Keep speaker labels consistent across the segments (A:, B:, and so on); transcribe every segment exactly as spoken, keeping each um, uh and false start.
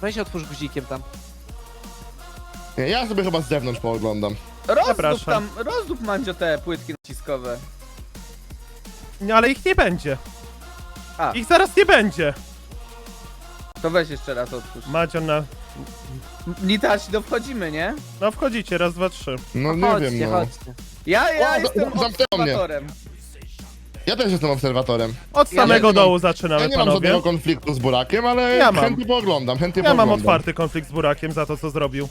A: Weź otwórz guzikiem tam.
B: Nie, ja sobie chyba z zewnątrz pooglądam.
C: Rozdób
D: Zapraszam.
C: tam, rozdób Mandzio te płytki naciskowe.
D: No ale ich nie będzie.
C: A,
D: Ich zaraz nie będzie.
C: to weź jeszcze raz otwórz.
D: Madzion na...
C: Nitać, no wchodzimy, nie?
D: No wchodzicie, raz, dwa, trzy.
B: No nie
A: Chodźcie,
B: wiem, no.
A: chodźcie.
C: Ja, ja
B: O,
C: jestem
B: zamknęło mnie.
C: obserwatorem.
B: Ja też jestem obserwatorem.
D: Od
B: Ja
D: samego
B: nie mam-
D: dołu
B: Ja
D: zaczynamy,
B: nie mam
D: panowie.
B: żadnego konfliktu z Burakiem, ale
D: Ja mam.
B: chętnie pooglądam, chętnie
D: Ja mam
B: pooglądam.
D: otwarty konflikt z Burakiem za to, co zrobił.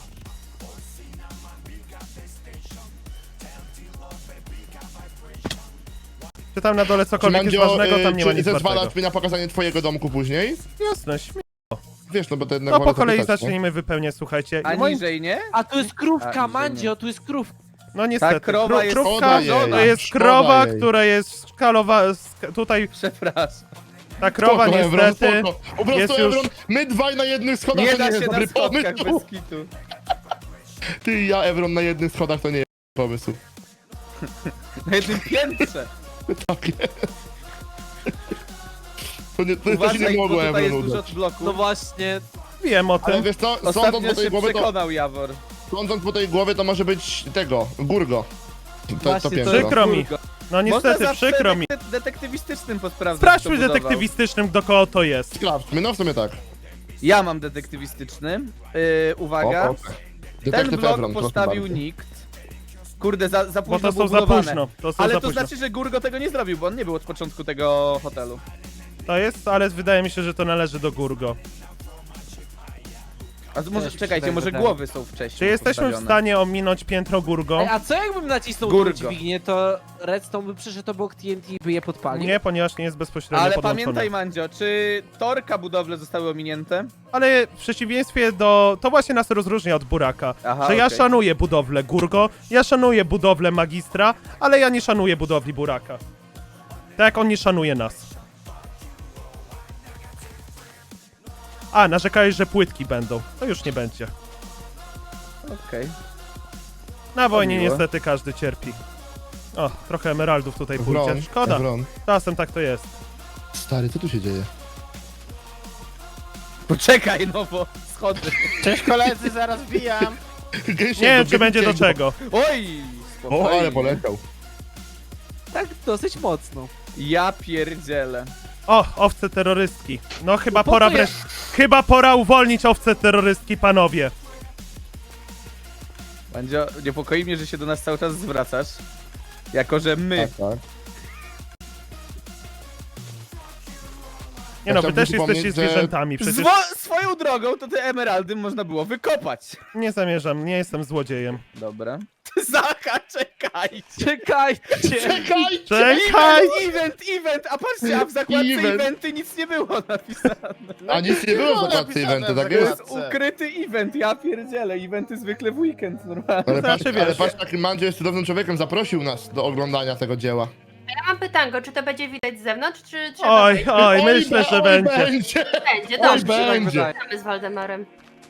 D: Czy tam na dole
B: Czy
D: cokolwiek jest
B: Mandzio,
D: ważnego, tam
B: y,
D: nie ma
B: czy
D: nic ważnego.
B: zezwalasz mi na pokazanie twojego domku później?
D: Jasne, śmie...
B: Wiesz, no bo to jednak
D: No
B: wolę
D: po kolei
B: zapytać, nie?
D: zacznijmy wypełniać, słuchajcie.
C: A
D: I moi-
C: niżej, nie?
A: A tu jest
C: A,
A: krówka,
C: widzę,
A: Mandzio, tu jest krówka.
D: No niestety,
C: Ta krowa
D: kró-
C: jest
D: krówka
B: szkoda jej,
D: to jest
B: szkoda
D: krowa,
B: jej.
D: która jest skalowa... sk- Tutaj
C: Przepraszam.
D: ta krowa
B: Spoko, Evron,
D: niestety...
B: spoko. Po prostu,
D: jest już-
B: Evron, my dwaj na jednych schodach
C: Nie
B: to
C: da
B: nie
C: się
B: jest
C: na
B: dobry
C: schodkach
B: pomysł.
C: bez kitu.
B: Ty i ja, Evron, na jednych schodach to nie jest pomysł.
C: Na jednym piętrze.
B: Tak jest. To, nie, to, to się
C: Uważaj,
B: nie
C: bo
B: mogło,
C: tutaj jest
B: Evron,
C: dużo
B: udać.
C: bloków.
A: No właśnie.
D: Wiem o
B: Ale
D: tym.
B: wiesz co, sądząc
C: Ostatnio
B: po tej
C: się
B: głowie, to,
C: przekonał Jawor.
B: sądząc po tej głowie, to może być tego, Gurgo. To, to,
A: Właśnie,
B: to
A: to
B: piętro.
A: jest
D: Przykro mi.
C: Kurgo.
D: No niestety,
C: Można zawsze
D: przykro mi.
C: detek- detektywistycznym posprawdzać,
D: Sprawdźmy
C: kto budował.
D: detektywistycznym, do kogo to jest.
B: Sprawdźmy, no w sumie tak.
C: Ja mam detektywistyczny. Yy, uwaga.
B: O, o.
C: Ten
B: Detektyw
C: blok
B: Evron, proszę
C: postawił
B: bardzo.
C: nikt. Kurde, za, za
D: Bo
C: późno
D: to
C: było
D: są za
C: budowane.
D: późno. To są
C: Ale
D: za
C: to
D: późno.
C: znaczy, że Gurgo tego nie zrobił, bo on nie był od początku tego hotelu.
D: To jest, ale wydaje mi się, że to należy do Gurgo.
C: A z- może,
A: Też mi się
C: czekajcie,
A: tak
C: może
A: wydaje.
C: głowy są wcześniej
D: Czy jesteśmy w
C: postawione.
D: stanie ominąć piętro Gurgo?
A: Ej, a co jakbym nacisnął
C: Gurgo.
A: tą dźwignię, to Redstone by przyszedł obok T N T i by je podpalił?
D: Nie, ponieważ nie jest bezpośrednio
C: Ale
D: podłączone.
C: pamiętaj, Mandzio, czy torka budowle zostały ominięte?
D: Ale w przeciwieństwie do... To właśnie nas rozróżnia od Buraka.
C: Aha,
D: że ja
C: okej.
D: szanuję budowlę Gurgo, ja szanuję budowlę Magistra, ale ja nie szanuję budowli Buraka. Tak jak on nie szanuje nas. A, narzekałeś, że płytki będą. To już nie będzie.
C: Okej.
D: Na wojnie
C: miło.
D: niestety każdy cierpi. O, trochę emeraldów tutaj
B: Evron,
D: pójdzie. Szkoda.
B: Evron.
D: Czasem tak to jest.
B: Stary, co tu się dzieje?
C: Poczekaj, no bo schody.
E: Cześć koledzy, zaraz wbijam.
B: Gęsiego,
D: Nie wiem, czy
B: gęsiego.
D: będzie do czego.
C: Oj!
B: O, ale
C: spokojnie.
B: poleciał.
A: Tak dosyć mocno.
C: Ja pierdzielę.
D: O, owce terrorystki. No chyba
A: No po
D: pora
A: co ja-
D: wreszcie... Chyba pora uwolnić owce terrorystki, panowie.
C: Mandzio, niepokoi mnie, że się do nas cały czas zwracasz. Jako, że my.
B: Tak, tak.
D: Nie no, wy
B: chciałbym
D: też
B: przypomnieć,
D: jesteście
B: że-
D: zwierzętami, przecież
C: Zwo- swoją drogą to te emeraldy można było wykopać.
D: nie zamierzam, nie jestem złodziejem.
C: Dobra. Zacha, czekajcie.
A: Czekajcie!
B: Czekaj!
D: Czekaj!
C: Event, event, event, a patrzcie, a w zakładce
B: Event.
C: eventy nic nie było napisane.
B: A nic nie było w
E: Było
B: zakładce
E: napisane
B: eventy,
E: w
B: tak
C: To
B: jest?
C: jest ukryty event, ja pierdzielę, eventy zwykle w weekend, normalnie.
B: Ale patrz,
D: Znaczy,
B: ale
D: wiesz-
B: patrz, taki Mandzio jest cudownym człowiekiem, zaprosił nas do oglądania tego dzieła.
F: Ja mam pytanko, czy to będzie widać z zewnątrz, czy trzeba
D: Oj,
F: wejść?
D: oj,
B: Oj,
D: myślę, że
B: oj,
D: będzie.
B: będzie.
F: Będzie,
B: Oj,
F: dobrze.
B: będzie.
F: Czekamy z Waldemarem.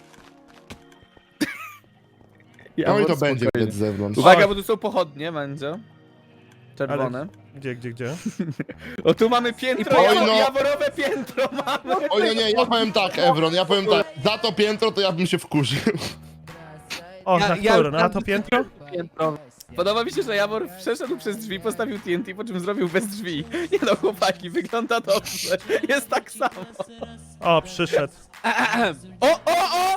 C: Ja
B: Oj, to
C: spokojnie.
B: będzie widać z zewnątrz.
C: Uwaga, bo tu są pochodnie, Mandzio. Czerwone.
D: Gdzie, gdzie, gdzie?
C: O, tu mamy piętro,
B: Oj,
C: jawo-
B: no.
C: jaworowe piętro mamy.
B: Oj, nie, nie, ja powiem tak, Evron, ja powiem tak. Za to piętro to ja bym się wkurzył.
D: O,
A: Ja-
D: na
A: ja
D: które?
A: już
D: Na
A: tam-
D: to piętro?
A: Piętro.
C: Podoba mi się, że Jawor przeszedł przez drzwi, postawił T N T, po czym zrobił bez drzwi. Nie no, chłopaki, wygląda dobrze. Jest tak samo.
D: O, przyszedł.
C: O, o, o!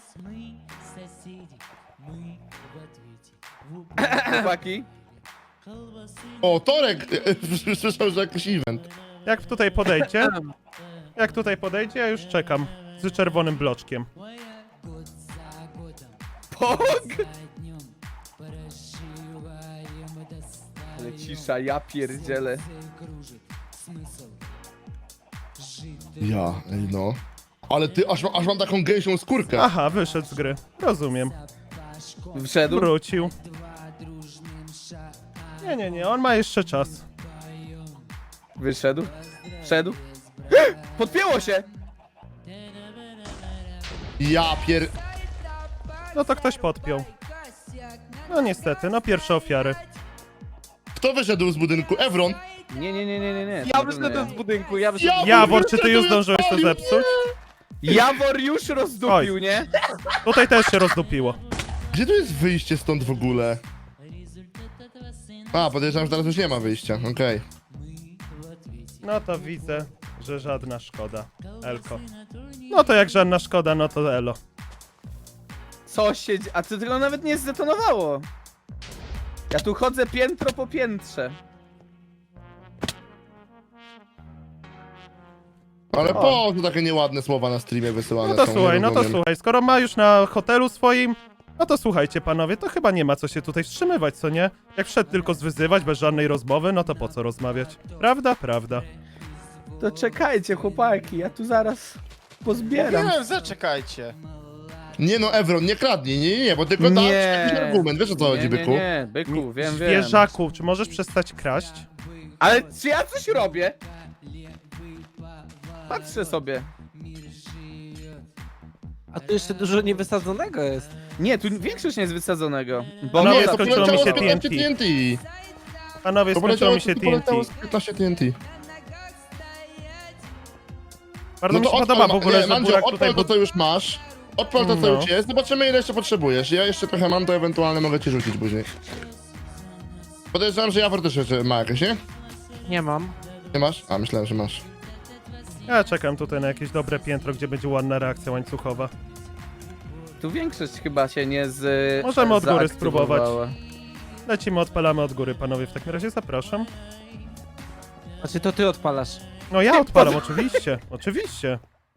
C: Chłopaki.
B: O, Torek! Słyszał, że jakiś event.
D: Jak tutaj podejdzie? Jak tutaj podejdzie, ja już czekam. Z czerwonym bloczkiem.
C: Pog! Ale cisza, ja pierdzielę.
B: Ja, ej no. Ale ty, aż, aż mam taką gęsią skórkę.
D: Aha, wyszedł z gry. Rozumiem.
C: Wszedł?
D: Wrócił. Nie, nie, nie, on ma jeszcze czas.
C: Wyszedł? Wszedł? Podpięło się!
B: Ja pier...
D: No to ktoś podpiął. No niestety, no pierwsze ofiary.
B: Kto wyszedł z budynku? Evron?
C: Nie, nie, nie, nie, nie, nie.
A: Ja wyszedłem z budynku, ja wyszedłem.
B: Ja-
D: Jawor, czy ty już zdążyłeś to zepsuć?
C: Jawor już rozdupił, nie?
D: Tutaj też się rozdupiło.
B: Gdzie tu jest wyjście stąd w ogóle? A, podejrzewam, że teraz już nie ma wyjścia, okej.
D: No to widzę, że żadna szkoda. Elko. No to jak żadna szkoda, no to elo.
C: Co się dzie- A to tylko nawet nie zdetonowało. Ja tu chodzę piętro po piętrze.
B: Ale po co takie nieładne słowa na streamie wysyłane
D: No to
B: są,
D: słuchaj,
B: nie
D: no to
B: rozumiem.
D: słuchaj, skoro ma już na hotelu swoim, no to słuchajcie panowie, to chyba nie ma co się tutaj wstrzymywać, co nie? Jak wszedł tylko zwyzywać bez żadnej rozmowy, no to po co rozmawiać? Prawda? Prawda.
C: To czekajcie, chłopaki, ja tu zaraz pozbieram.
E: Mówiłem, zaczekajcie.
B: Nie no, Evron, nie kradnij, nie, nie, nie, bo tylko dasz jakiś argument, wiesz o co chodzi,
C: nie, nie,
B: byku?
C: nie, byku, wiem, wiem.
D: Zwierzaku, czy możesz przestać kraść?
C: Ale czy ja coś robię? Patrzę sobie.
A: A tu jeszcze dużo niewysadzonego jest.
C: Nie, tu większość nie jest wysadzonego. Bo
D: No
C: mnie
D: nie,
B: Nie,
C: za-
B: to
D: skończyło mi
B: poleciało
D: się
B: z piętnaście
D: T N T.
B: T N T.
D: Panowie,
B: To
D: skończyło
B: poleciało,
D: mi się
B: to
D: T N T.
B: poleciało z piętnaście T N T.
D: Bardzo mi się
B: odpal
D: podoba w
B: ma-
D: ogóle,
B: nie,
D: że
B: Mandzio,
D: Burak tutaj...
B: odpal to, co już masz. Odpal to, co
D: No.
B: już jest. Zobaczymy, ile jeszcze potrzebujesz. Ja jeszcze trochę mam, to ewentualnie mogę ci rzucić później. Podejrzewam, że Jawor też jeszcze ma jakieś, nie?
A: Nie mam.
B: Nie masz? A, myślałem, że masz.
D: Ja czekam tutaj na jakieś dobre piętro, gdzie będzie ładna reakcja łańcuchowa.
C: Tu większość chyba się nie z...
D: Możemy od góry
C: zaaktywowała.
D: spróbować. Lecimy, odpalamy od góry, panowie, w takim razie zapraszam.
A: Znaczy to ty odpalasz.
D: No ja odpalam, oczywiście, oczywiście.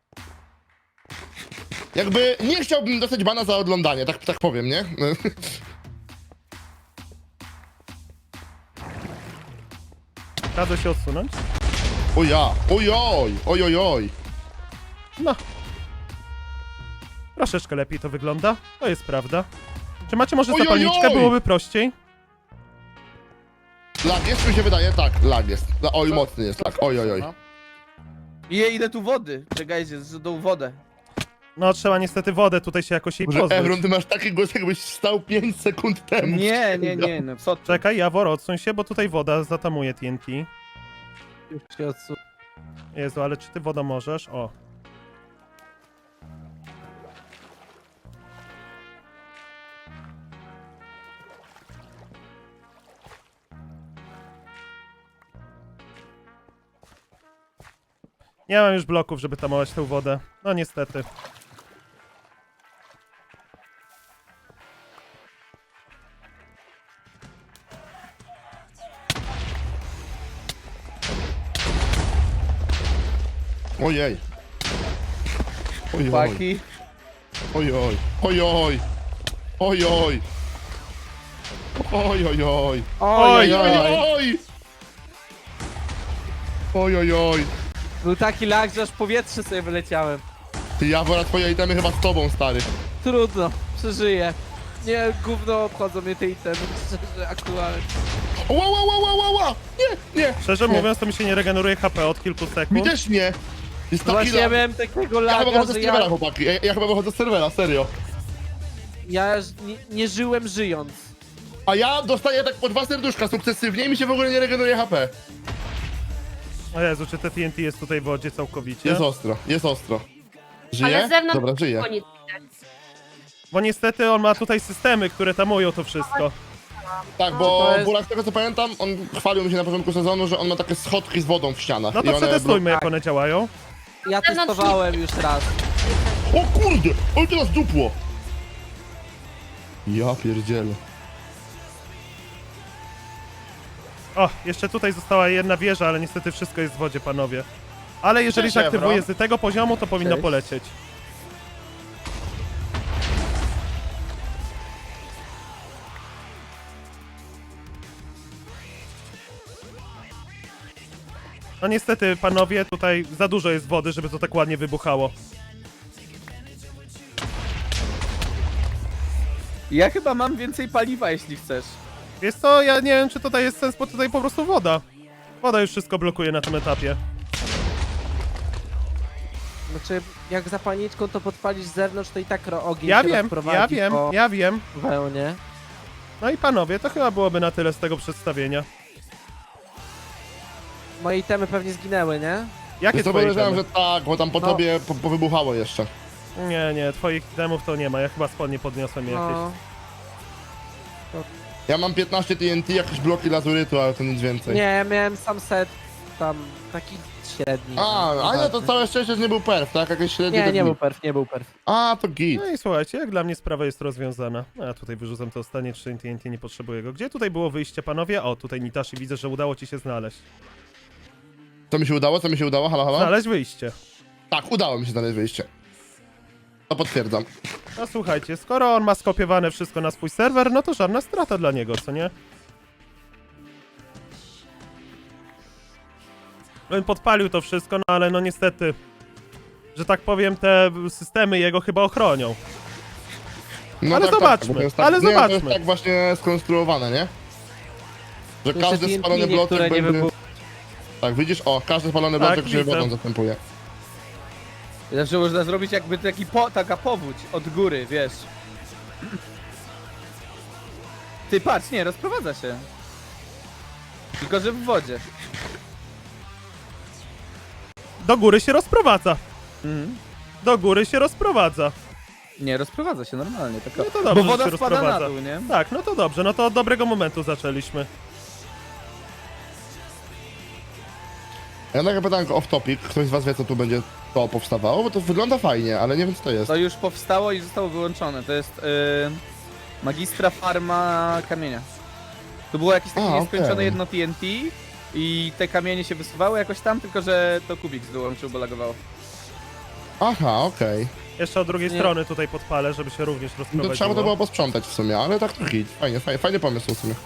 B: Jakby nie chciałbym dostać bana za oglądanie, tak, tak powiem, nie?
D: Radzę się odsunąć.
B: O ja, ojoj, ojojoj.
D: No. Troszeczkę lepiej to wygląda, to jest prawda. Czy macie może
B: Ojojoj!
D: zapalniczkę? Byłoby prościej.
B: Lag jest, mi się wydaje? Tak, lag jest. La- Oj, mocny jest lag, ojojoj.
C: I ile tu wody? Czekajcie, zdą wodę.
D: No trzeba niestety wodę tutaj się jakoś jej
B: Boże,
D: pozbyć.
B: Evron, ty masz taki głos, jakbyś stał pięć sekund temu.
C: Nie, nie, nie, no co ty?
D: Czekaj, Jawor, odsuń się, bo tutaj woda zatamuje T N T.
A: Już się odsu...
D: Jezu, ale czy ty woda możesz? O. Nie mam już bloków, żeby tamować tę wodę. No niestety.
B: Ojej. Ojoj,
C: Chłopaki.
B: ojoj, ojoj, ojoj. Ojojoj.
D: Oj,
B: Ojojoj. Ojojoj.
A: Był taki lag, że aż w powietrze sobie wyleciałem.
B: Ty, Jawora, twoje itemy chyba z tobą, stary.
A: Trudno, przeżyję. Nie, gówno obchodzą mnie te itemy, szczerze, aktualnie.
B: Ła, ła, ła, ła, ła, ła. Nie, nie.
D: Szczerze
B: nie.
D: mówiąc, to mi się nie regeneruje H P od kilku
B: Mi
D: sekund.
B: też nie. Jest
A: No
B: taki
A: właśnie ja
B: lag.
A: miałem takiego
B: Ja chyba
A: laga,
B: wychodzę z
A: że
B: serwera,
A: ja,
B: chłopaki. Ja, ja chyba wychodzę z serwera, serio.
A: ja nie, nie żyłem żyjąc.
B: A ja dostaję tak po dwa serduszka sukcesywnie i mi się w ogóle nie regeneruje H P.
D: O Jezu, czy te T N T jest tutaj w wodzie całkowicie?
B: Jest ostro, jest ostro.
F: Ale
B: Żyje?
F: z zewnątrz
B: Dobra, żyje.
F: nic.
D: Bo niestety on ma tutaj systemy, które tamują to wszystko.
B: Tak,
A: To
B: bo
A: jest-
B: Burak, z tego co pamiętam, on chwalił mi się na początku sezonu, że on ma takie schodki z wodą w ścianach.
D: No
B: I
D: to
B: one
D: przetestujmy, jak
A: tak.
D: one działają.
A: Ja
F: Zewnątrz
A: testowałem już raz.
B: O kurde! On teraz dupło! Ja pierdzielę.
D: O, jeszcze tutaj została jedna wieża, ale niestety wszystko jest w wodzie, panowie. Ale jeżeli
E: Cześć,
D: zaktywuję
E: Evron.
D: z tego poziomu, to powinno
C: Cześć.
D: polecieć. No niestety, panowie, tutaj za dużo jest wody, żeby to tak ładnie wybuchało.
C: Ja chyba mam więcej paliwa, jeśli chcesz.
D: Wiesz co, ja nie wiem, czy tutaj jest sens, bo tutaj po prostu woda. Woda już wszystko blokuje na tym etapie.
A: Znaczy, jak zapalniczką to podpalisz z zewnątrz, to i tak ro- ogień
D: Ja
A: się
D: wiem,
A: rozprowadzi
D: ja wiem,
A: po
D: ja wiem.
A: wełnie.
D: No i panowie, to chyba byłoby na tyle z tego przedstawienia.
A: Moje itemy pewnie zginęły, nie?
D: Jakie
B: Wiesz co,
D: twoje
B: podejrzewam,
D: itemy?
B: że tak, bo tam po
A: No.
B: tobie po, powybuchało jeszcze.
D: Nie, nie, twoich itemów to nie ma, ja chyba spodnie podniosłem jakieś.
A: No.
B: Ja mam piętnaście T N T, jakieś bloki lazurytu, ale to nic więcej.
A: Nie, miałem sam set tam taki średni.
B: A,
A: no,
B: a nie, to
A: nieważne.
B: całe szczęście, że nie był perf, tak? Jakieś średnie...
A: Nie,
B: tak
A: nie był perf, nie był perf.
B: A, to git.
D: No i słuchajcie, jak dla mnie sprawa jest rozwiązana. A tutaj wyrzucam to ostatnie trzy T N T, nie potrzebuję go. Gdzie tutaj było wyjście, panowie? O, tutaj Nitashi, widzę, że udało ci się znaleźć.
B: Co mi się udało? Co mi się udało? Halo, halo?
D: Znaleźć wyjście.
B: Tak, udało mi się znaleźć wyjście. To potwierdzam.
D: No słuchajcie, skoro on ma skopiowane wszystko na swój serwer, no to żadna strata dla niego, co nie? On podpalił to wszystko, no ale no niestety, że tak powiem, te systemy jego chyba ochronią.
B: No
D: Ale zobaczmy,
B: to jest tak,
D: ale
B: nie, To
D: zobaczmy.
B: jest tak właśnie skonstruowane, nie? Że
A: Jeszcze
B: każdy
A: T N T
B: spalony bloczek
A: niektóre nie
B: będzie...
A: wybuch-
B: Tak, widzisz? O, każdy spalony
D: Tak,
B: bloczek się
D: widzę.
B: wodą zastępuje.
C: Zawsze można zrobić jakby taki po, taka powódź od góry, wiesz. Ty patrz, nie, rozprowadza się. Tylko, że w wodzie.
D: Do góry się rozprowadza.
C: Mhm.
D: Do góry się rozprowadza.
C: Nie, rozprowadza się normalnie, tylko...
D: No to dobrze,
C: Bo
D: że
C: woda
D: się
C: spada na
D: rozprowadza.
C: dół, nie?
D: Tak, no to dobrze, no to od dobrego momentu zaczęliśmy.
B: Ja mam takie pytanko off topic. Ktoś z was wie, co tu będzie to powstawało? Bo to wygląda fajnie, ale nie wiem, co to jest.
C: To już powstało i zostało wyłączone. To jest yy, magistra farma kamienia. To było jakieś takie
B: A,
C: nieskończone
B: okej.
C: jedno T N T i te kamienie się wysuwały jakoś tam, tylko że to Kubik wyłączył, bo lagowało.
B: Aha, okej.
D: Jeszcze od drugiej
A: Nie.
D: strony tutaj podpalę, żeby się również
B: No
D: rozprowadziło.
B: to trzeba by to było posprzątać w sumie, ale tak to hit. Fajnie, fajnie, fajny pomysł w sumie.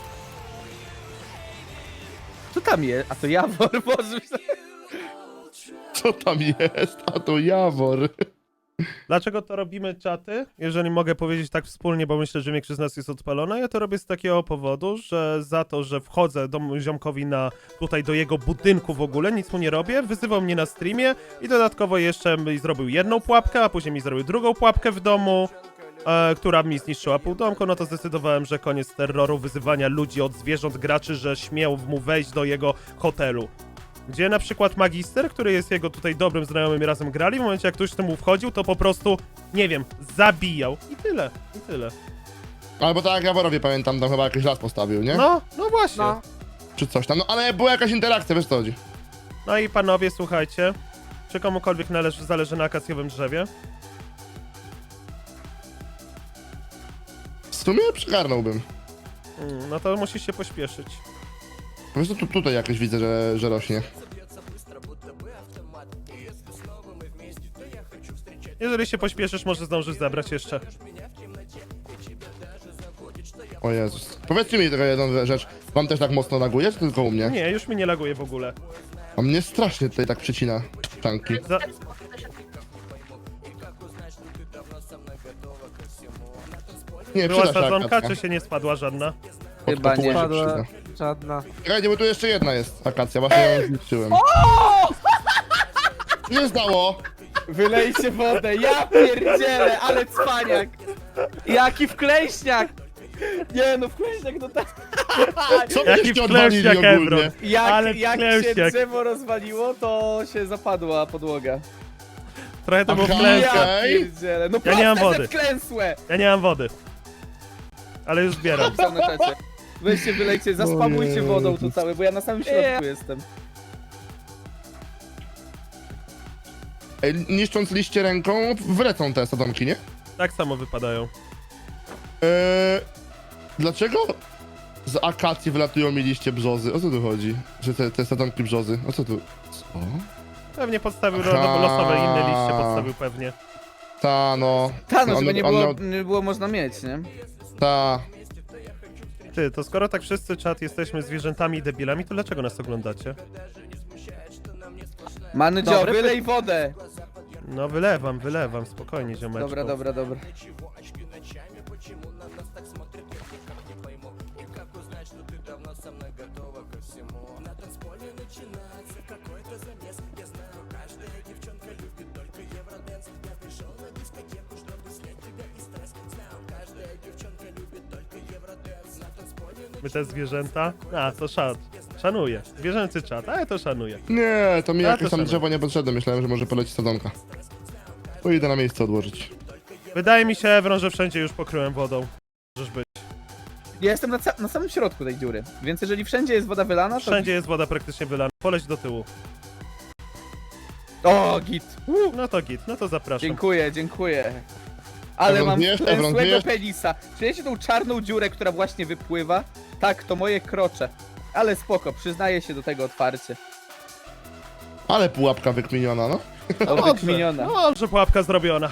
C: Co tam jest? A to Jawor, Boże.
B: Co tam jest? A to Jawor.
D: Dlaczego to robimy, czaty? Jeżeli mogę powiedzieć tak wspólnie, bo myślę, że większość z nas jest odpalona. Ja to robię z takiego powodu, że za to, że wchodzę do ziomkowi na tutaj do jego budynku w ogóle, nic mu nie robię, wyzywał mnie na streamie i dodatkowo jeszcze mi zrobił jedną pułapkę, a później mi zrobił drugą pułapkę w domu, e, która mi zniszczyła pół domku, no to zdecydowałem, że koniec terroru, wyzywania ludzi od zwierząt, graczy, że śmiał mu wejść do jego hotelu. Gdzie na przykład Magister, który jest jego tutaj dobrym znajomym i razem grali, w momencie jak ktoś temu wchodził, to po prostu, nie wiem, zabijał. I tyle, i tyle.
B: Albo tak jak Jaworowie pamiętam, tam chyba jakiś las postawił, nie?
D: No, no właśnie.
A: No.
B: Czy coś tam. No ale była jakaś interakcja, wiesz co chodzi.
D: No i panowie, słuchajcie, czy komukolwiek należy, zależy na akacjowym drzewie?
B: W sumie przygarnąłbym.
D: Mm, no to musisz się pośpieszyć.
B: Po prostu tu, tutaj jakoś widzę, że, że rośnie.
D: Jeżeli się pośpieszysz, może zdążysz zabrać jeszcze.
B: O Jezus. Powiedzcie mi tylko jedną rzecz. Wam też tak mocno laguje, czy tylko u mnie?
D: Nie, już mi nie laguje w ogóle.
B: A mnie strasznie tutaj tak przycina czanki.
D: Za...
B: Nie,
D: Była
B: przyda się
D: sadzonka,
B: akacja.
D: czy się nie spadła żadna?
B: Pod
C: Chyba
B: kopułę
C: nie.
B: się
A: Padła
B: przyda.
A: żadna.
B: Czekajcie, bo tu jeszcze jedna jest akacja, właśnie ją zniszczyłem. Co się stało?
C: Wylejcie wodę, ja pierdzielę, ale cwaniak.
A: Jaki wklejśniak!
C: Nie no, wkleśniak no tak.
B: Co
D: Jaki
B: byście odwalili
D: wklęśniak,
B: ogólnie?
D: Ebron.
C: Jak,
D: Ale
C: jak się
D: wklęśniak.
C: drzewo rozwaliło, to się zapadła podłoga.
D: Trochę to było
B: Aha.
D: klęska.
C: Ja
B: Okej.
C: pierdzielę, no
D: Ja nie mam
C: proste,
D: wody.
C: że wklęsłe.
D: Ja nie mam wody. Ale już zbieram.
C: Napisał na czacie. Weźcie, wylejcie, zaspamujcie
B: Jezus.
C: wodą tu całe, bo ja na samym środku jestem.
B: Ej, niszcząc liście ręką, wlecą te sadzonki, nie?
D: Tak samo wypadają.
B: Eee, dlaczego z akacji wylatują mi liście brzozy? O co tu chodzi? Że te, te sadzonki brzozy? O co tu? Co?
D: Pewnie podstawił
B: Aha.
D: ro- losowe inne liście, podstawił pewnie.
B: Ta no.
C: Ta, no
B: On-
C: żeby nie
B: on
C: było,
B: miał-
C: nie było można mieć, nie?
B: Ta.
D: Ty, to skoro tak wszyscy czat jesteśmy zwierzętami i debilami, to dlaczego nas oglądacie?
C: Manydzio,
A: Dobry
C: wylej wodę!
D: No wylewam, wylewam, spokojnie ziomeczku.
C: Dobra, dobra, dobra.
D: My te zwierzęta? A, to szat. Szanuję. Zwierzęcy czat, ale to szanuję.
B: Nie, to mi
D: A,
B: jakieś
D: to
B: tam
D: szanuję.
B: drzewo nie potrzebne, myślałem, że może poleci sadzonka. To idę na miejsce odłożyć.
D: Wydaje mi się, Evron, że wszędzie już pokryłem wodą. Możesz być.
C: Ja jestem na, ca- na samym środku tej dziury, więc jeżeli wszędzie jest woda wylana, to...
D: Wszędzie jest woda praktycznie wylana. Poleć do tyłu.
C: O, git. Uh,
D: No to git, no to zapraszam.
C: dziękuję, dziękuję. Ale
B: Evron,
C: mam
B: wiesz, Evron,
C: złego
B: wiesz?
C: penisa. Czujecie tą czarną dziurę, która właśnie wypływa? Tak, to moje krocze. Ale spoko, przyznaję się do tego otwarcie.
B: Ale pułapka wykminiona, no.
C: O,
D: Dobrze,
C: wykminiona.
D: no dobrze, pułapka zrobiona.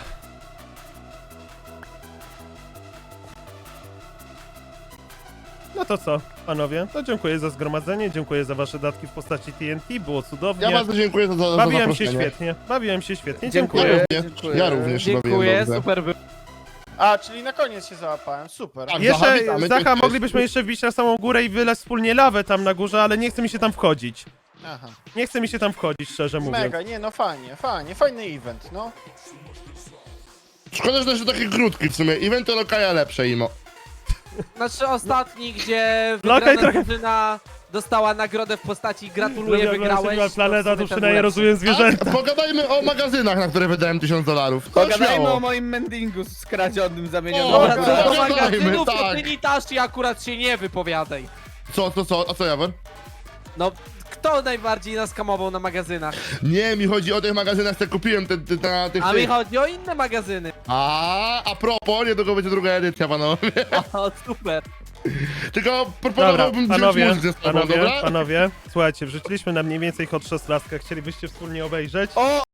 D: No to co, panowie? To dziękuję za zgromadzenie, dziękuję za wasze datki w postaci T N T, było cudownie.
B: Ja bardzo dziękuję za, za, za
D: Bawiłem się
B: zaproszenie.
D: świetnie, bawiłem się świetnie,
C: Dziękuję.
D: dziękuję.
B: Ja również,
C: Dziękuję.
B: ja również się bawiłem
A: Dziękuję,
B: dobrze.
A: super było.
E: A, czyli na koniec się załapałem, super.
B: Tak,
D: Jeszcze,
B: Zacha, witamy cię,
D: Zacha,
B: cześć.
D: moglibyśmy jeszcze wbić na samą górę i wylać wspólnie lawę tam na górze, ale nie chce mi się tam wchodzić.
E: Aha.
D: Nie chce mi się tam wchodzić, szczerze mówiąc.
E: Mega, nie no fajnie, fajnie, fajny event, no.
B: Szkoda, że to są takie krótki w sumie. Eventy lokaja lepsze, imo.
A: Znaczy ostatni, gdzie
D: Lokaj
A: wygrana
D: trochę-
A: drużyna dostała nagrodę w postaci gratuluję,
D: Lubię
A: wygrałeś.
D: oglądać Planeta,
A: w
D: to
A: sumie ten
D: przynajmniej
A: był lepszy.
D: rozumiem zwierzęta.
B: Tak, pogadajmy o magazynach, na które wydałem tysiąc dolarów. To
C: Pogadajmy
B: śmiało.
C: o moim mendingu skradzionym, zamienionym.
B: O,
A: Dobra,
C: na
A: co do
B: Pogadajmy,
A: magazynów, to
B: tak.
A: ty Nitashi akurat się nie wypowiadaj.
B: Co, co, co? A co, Jawor?
A: No, kto najbardziej naskamował na magazynach?
B: Nie, mi chodzi o tych magazynach, które kupiłem te, te, na tych...
A: A mi
B: tych.
A: chodzi o inne magazyny.
B: A, a propos, niedługo będzie druga edycja, panowie.
A: O, super.
B: Tylko
D: Dobra,
B: proponowałbym wziąć
D: panowie,
B: muzykę z tobą,
D: panowie,
B: dobra?
D: panowie, słuchajcie, wrzuciliśmy na mniej więcej hot szesnastkę, chcielibyście wspólnie obejrzeć?
C: O,